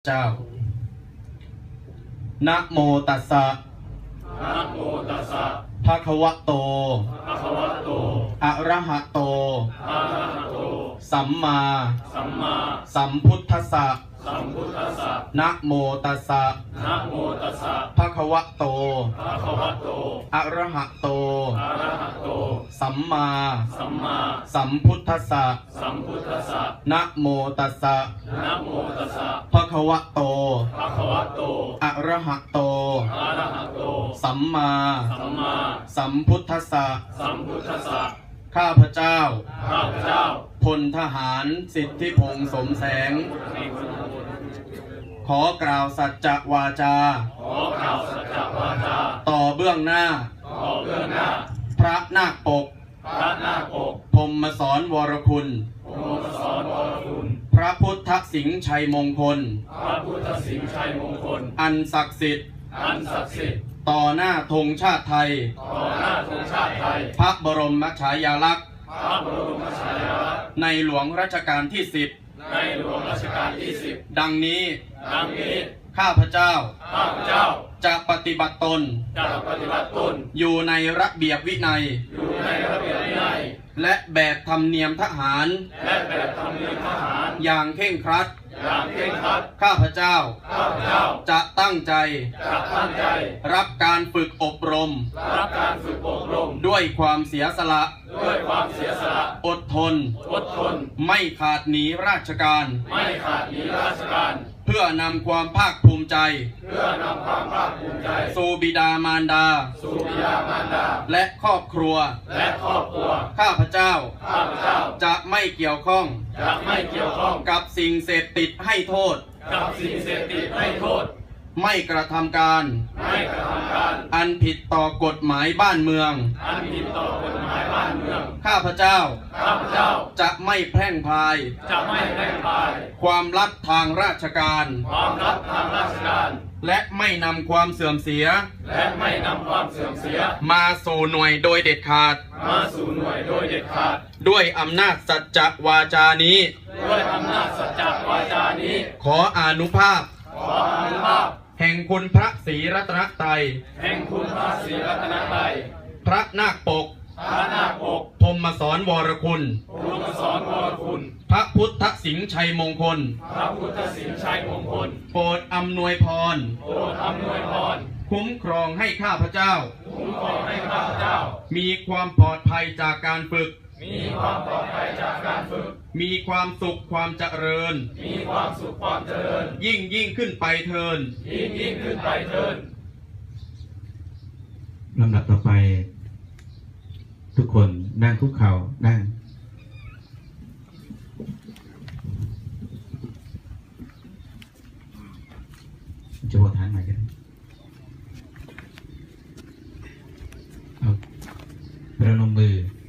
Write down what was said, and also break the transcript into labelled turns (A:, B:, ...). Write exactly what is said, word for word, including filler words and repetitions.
A: เจ้านะโมตัสสะ
B: นะโมตัสสะ
A: ภะคะวะโต
B: ภะคะวะโต
A: อะระหะโต
B: อะระหะโต
A: สัมมา
B: สัมมา
A: สัมพุทธัสสะ
B: สัมพุทธัสสะ
A: นะโมตัสสะ
B: นะโมตัสสะ
A: ภะคะวะโต
B: ภะคะวะโต
A: อะระหะโต
B: อะระหะโต
A: สัมมา
B: สัมมา
A: สัมพุทธัสสะ
B: สัมพุทธัสสะ
A: นะโมตัสสะ
B: นะโมตัสสะ
A: ภะคะวะโต
B: ภะคะวะโต
A: อะระหะโต
B: อะระหะโต
A: สัมมา
B: สัมมา
A: สัมพุทธัสสะ
B: สัมพุทธัสสะ
A: ข้าพเจ้า
B: ข้าพเจ้า
A: พลทหารสิทธิพงษ์สมแสงขอกล่าวสัจจวาจา
B: ขอกล่าวสัจจวาจา
A: ต่อเบื้องหน้า
B: ต่อเบื้องหน้า
A: พระนาคปก
B: พระนาคปก
A: พรหมสอนวรคุณ
B: พรหมสอนวรคุณ
A: พระพุทธสิงห์ชัยมงคล
B: พระพุทธสิงห์ชัยมงคล
A: อันศักดิ์สิทธิ์
B: อันศักดิ์สิทธิ์
A: ต่อหน้าธงชาติไทย
B: ต่อหน้าธงชาติไทย
A: พระบรมฉายาลักษณ์
B: พระบรมฉายาลักษณ์
A: ในหลวงรัชกาลที่สิบ
B: ในหลวงรัชกาลที่สิบ
A: ดังนี้
B: ดังนี้
A: ข้าพเจ้า
B: ข้าพเจ้า
A: จะปฏิบัติตน
B: จะปฏิบัติตน
A: อยู่ในระเบียบวินัย
B: อยู่ในระเบียบวินัย
A: และแบบธรรมเนียมทหาร
B: และแบบธรรมเนียมทหาร
A: อย่างเคร่งครัด
B: อย่างเคร่งครัด
A: ข้าพเจ้า
B: ข้าพเจ้า
A: จะตั้งใจ
B: จะตั้งใจ
A: รับการฝึกอบรม
B: รับการฝึกอบรม
A: ด้วยความเสียสละ
B: ด้วยความเสียสละ
A: อดทน
B: อดทน
A: ไม่ขาดหนีราชการ
B: ไม่ขาดหนีราชการ
A: เพื่อนำความภาคภูมิใจ
B: เพื่อนำความภาคภูมิใจ
A: สู่บิดามารดา
B: สู่บิดามารดา
A: และครอบครัว
B: และครอบครัว
A: ข้าพเจ้า
B: ข้าพเจ้า
A: จะไม่เกี่ยวข้อง
B: จะไม่เกี่ยวข้อง
A: กับสิ่งเสพติดให้โทษ
B: กับสิ่งเสพติดให้โทษ
A: ไม่กระทำการ
B: ไม่กระทำการ
A: อันผิดต่อกฎหมายบ้านเมือง
B: อันผิดต่อกฎหมายบ้านเมือง
A: ข้าพเจ้า
B: ข้าพเจ้า
A: จะไม่แพร่งพราย
B: จะไม่แพร่งพราย
A: ความลับทางราชการ
B: ความลับทางราชการ
A: และไม่นำความเสื่อมเสีย
B: และไม่นำความเสื่อมเสีย
A: มาสู่หน่วยโดยเด็ดขาด
B: มาสู่หน่วยโดยเด็ดขาด
A: ด้วยอำนาจสัจจวาจานี้
B: ด้วยอำนาจสัจจวาจานี้
A: ขออานุภาพ
B: ขออานุภาพ
A: แห่งคุณพระศรีรัตนตรัย
B: แห่งคุณพระศรีรัตนตรัย
A: พระนาคปก
B: พระนาคปก
A: พรหมสอนวรคุณ
B: พรหมสอนวรคุณ
A: พระพุทธสิงห์ชัยมงคล
B: พระพุทธสิงห์ชัยมงคล
A: โปรดอำนวยพร
B: โปรดอำนวยพร
A: คุ้มครองให้ข้าพเจ้า
B: คุ้มครองให้ข้าพเจ้า
A: มีความปลอดภัยจากการฝึก
B: มีความปลอดภัยจากการฝึก
A: มีความสุขความเจริญ
B: มีความสุขความเจริญ
A: ยิ่งยิ่งขึ้นไปเทิน
B: ยิ่งยิ่งขึ้นไปเทิน
C: ลำดับต่อไปทุกคนนั่งคุกเข่านั่งจะหัวฐานใหม่กันเอาประนมมือ